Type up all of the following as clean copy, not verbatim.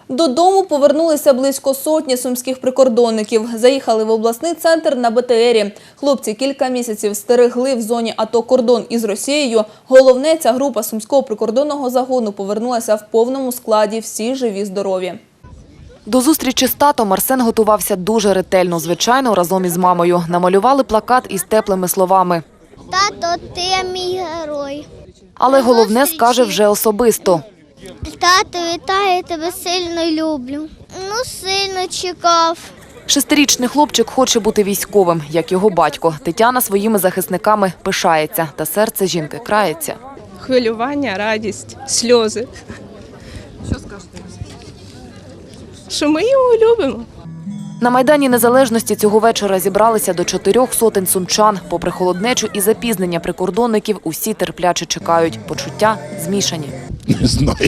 Додому повернулися близько сотні сумських прикордонників. Заїхали в обласний центр на БТРі. Хлопці кілька місяців стерегли в зоні АТО кордон із Росією. Головне, ця група сумського прикордонного загону повернулася в повному складі, всі живі-здорові. До зустрічі з татом Арсен готувався дуже ретельно, звичайно, разом із мамою. Намалювали плакат із теплими словами. Тато, ти мій герой. Але головне скаже вже особисто. Тато, вітаю тебе, сильно люблю. Сильно чекав. 6-річний хлопчик хоче бути військовим, як його батько. Тетяна своїми захисниками пишається, та серце жінки крається. Хвилювання, радість, сльози. Що скажете? Що ми його любимо. На Майдані Незалежності цього вечора зібралися до 400 сумчан. Попри холоднечу і запізнення прикордонників, усі терпляче чекають. Почуття змішані. Не знаю.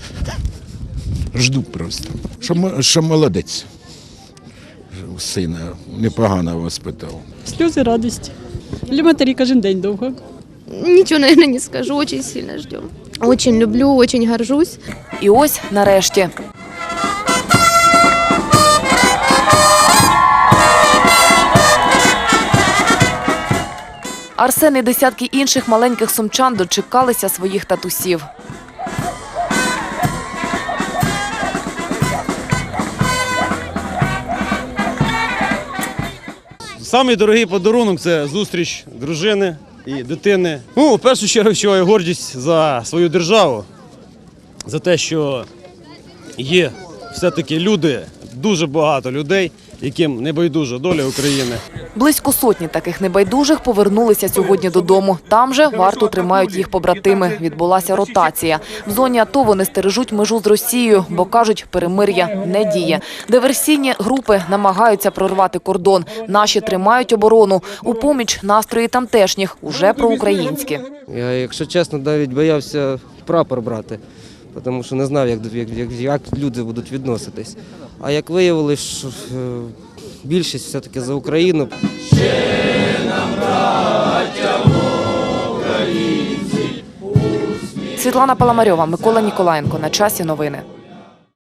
Жду просто. Що молодець. Сина непогано воспитав. Сльози радості. Для матері кожен день довго. Ничего, наверное, не скажу. Очень сильно ждем. Очень люблю, очень горжусь. І ось нарешті. Арсен і десятки інших маленьких сумчан дочекалися своїх татусів. Самий дорогий подарунок – це зустріч дружини і дитини. В першу чергу відчуваю гордість за свою державу, за те, що є все-таки люди, дуже багато людей, яким не байдужа доля України. Близько сотні таких небайдужих повернулися сьогодні додому. Там же варту тримають їх побратими. Відбулася ротація. В зоні АТО вони стережуть межу з Росією, бо, кажуть, перемир'я не діє. Диверсійні групи намагаються прорвати кордон. Наші тримають оборону. У поміч настрої тамтешніх, уже проукраїнські. Я, якщо чесно, навіть боявся прапор брати, тому що не знав, як люди будуть відноситись. А як виявилось, що більшість все-таки за Україну. Світлана Паламарьова, Микола Ніколаєнко. На часі новини.